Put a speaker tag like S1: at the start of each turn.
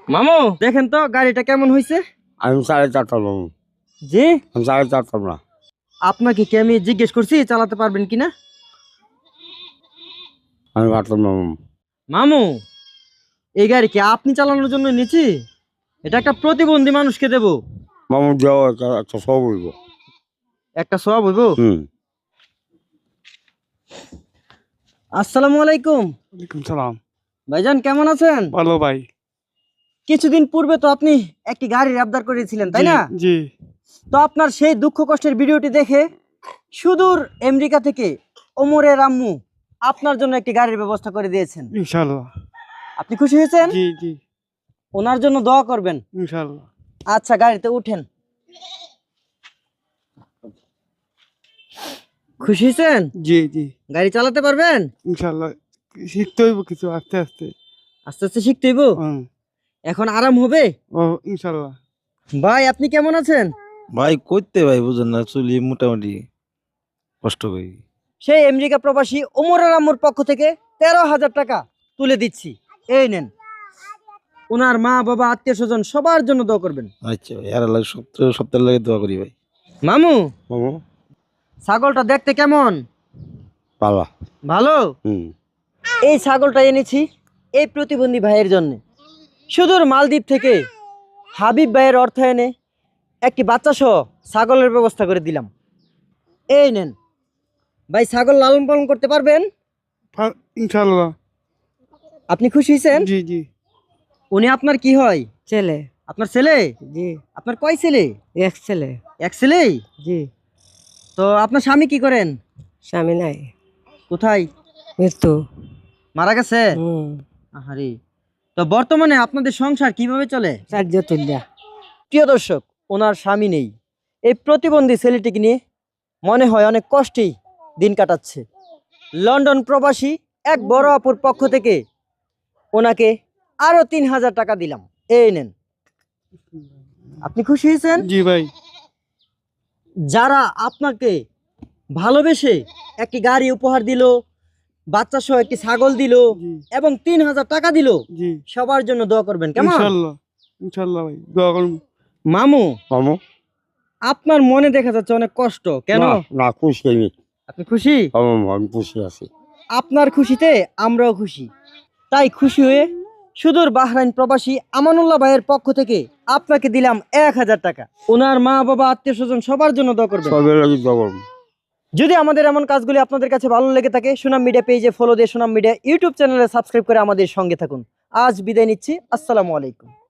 S1: মামু দেখেন তো গাড়িটা কেমন হয়েছে।
S2: আমি 4.5 মামু।
S1: জি
S2: আমি 4.5 না।
S1: আপনাকে কি আমি জিজ্ঞেস করছি চালাতে পারবেন কিনা?
S2: আমি পারতাম না মামু।
S1: মামু এই গাড়ি কি আপনি চালানোর জন্য নিচ্ছি? এটা একটা প্রতিবন্ধী মানুষকে দেব।
S2: মামু দেওয়া একটা সব হইব।
S1: একটা সব হইব। আসসালামু আলাইকুম।
S3: ওয়ালাইকুম সালাম।
S1: ভাইজান কেমন আছেন?
S3: ভালো ভাই।
S1: কিছুদিন পূর্বে তো আপনি একটি গাড়ির আবদার করেছিলেন তাই না?
S3: জি।
S1: তো আপনার সেই দুঃখ কষ্টের ভিডিওটি দেখে সুদূর আমেরিকা থেকে ওমরের আম্মু আপনার জন্য একটি গাড়ির ব্যবস্থা করে দিয়েছেন।
S3: ইনশাআল্লাহ।
S1: আপনি খুশি হয়েছেন?
S3: জি জি
S1: ওনার জন্য দোয়া করবেন।
S3: ইনশাআল্লাহ।
S1: আচ্ছা গাড়িতে উঠেন। খুশি হয়েছেন?
S3: জি জি
S1: গাড়ি চালাতে পারবেন?
S3: ইনশাআল্লাহ। শিখতে হইব কিছু আস্তে আস্তে।
S1: আস্তে আস্তে শিখতে হইব। এখন আরাম হবে।
S3: ও ইনশাআল্লাহ।
S1: ভাই আপনি কেমন আছেন?
S4: ভাই করতে ভাই বুঝেন না চলি মোটামুটি কষ্ট করি।
S1: সেই আমেরিকা প্রবাসী ওমরের আম্মুর পক্ষ থেকে 13,000 টাকা তুলে দিচ্ছি। এই নেন। ওনার মা বাবা আত্মীয় স্বজন সবার জন্য দোয়া করবেন।
S4: আচ্ছা ভাই আর লাগে সপ্তাহ লাগে দোয়া করি ভাই।
S1: মামু
S2: মামু
S1: ছাগলটা দেখতে কেমন?
S2: পালা।
S1: ভালো।
S2: হুম।
S1: এই ছাগলটা এনেছি এই প্রতিবন্ধী ভাইয়ের জন্য। সুদূর মালদ্বীপ থেকে হাবিব ভাইয়ের অর্থায়নে একটি বাচ্চা সহ ছাগলের ব্যবস্থা করে দিলাম। এই নেন ভাই, ছাগল লালন পালন করতে পারবেন?
S3: ইনশাআল্লাহ।
S1: আপনি খুশি হয়েছেন?
S3: জি জি।
S1: উনি আপনার কি হয়?
S5: ছেলে।
S1: আপনার ছেলে?
S5: জি।
S1: আপনার কয় ছেলে?
S5: এক ছেলে।
S1: এক ছেলেই?
S5: জি।
S1: তো আপনার স্বামী কি করেন?
S5: স্বামী নাই,
S1: কোথায়?
S5: মৃত্যু।
S1: মারা গেছে? আহারে। তো বর্তমানে আপনাদের সংসার কিভাবে চলে?
S5: চার্য তুল্যা।
S1: প্রিয় দর্শক, ওনার স্বামী নেই। এই প্রতিবন্ধী ছেলেটিকে নিয়ে মনে হয় অনেক কষ্টেই দিন কাটাচ্ছে। লন্ডন প্রবাসী এক বড় আপুর পক্ষ থেকে ওনাকে আরো 3,000 টাকা দিলাম। এই নেন। আপনি খুশি হয়েছেন?
S3: জি ভাই।
S1: যারা আপনাকে ভালোবেসে একটি গাড়ি উপহার দিল, বাচ্চা সহ একটি ছাগল দিল এবং 3,000 টাকা দিল,
S3: জি
S1: সবার জন্য দোয়া করবেন কেমন?
S3: ইনশাআল্লাহ। ইনশাআল্লাহ ভাই দোয়া করুন।
S1: মামু
S2: মামু
S1: আপনার মনে দেখা যাচ্ছে অনেক কষ্ট, কেন?
S2: না খুশি আমি।
S1: আপনি খুশি?
S2: মামু আমি খুশি আছি।
S1: আপনার খুশিতে আমরাও খুশি। তাই খুশি হয়ে সুদূর বাহরাইন প্রবাসী আমানুল্লাহ ভাইয়ের পক্ষ থেকে আপনাকে দিলাম 1,000 টাকা। ওনার মা বাবা আত্মীয় স্বজন সবার জন্য দোয়া করবেন।
S2: সবের লাগি দোয়া।
S1: যদি আমাদের এমন কাজগুলি আপনাদের কাছে ভালো লেগে থাকে, সুনাম মিডিয়া পেজে ফলো দিয়ে সুনাম মিডিয়া ইউটিউব চ্যানেলে সাবস্ক্রাইব করে আমাদের সঙ্গে থাকুন। আজ বিদায় নিচ্ছি। আসসালামু আলাইকুম।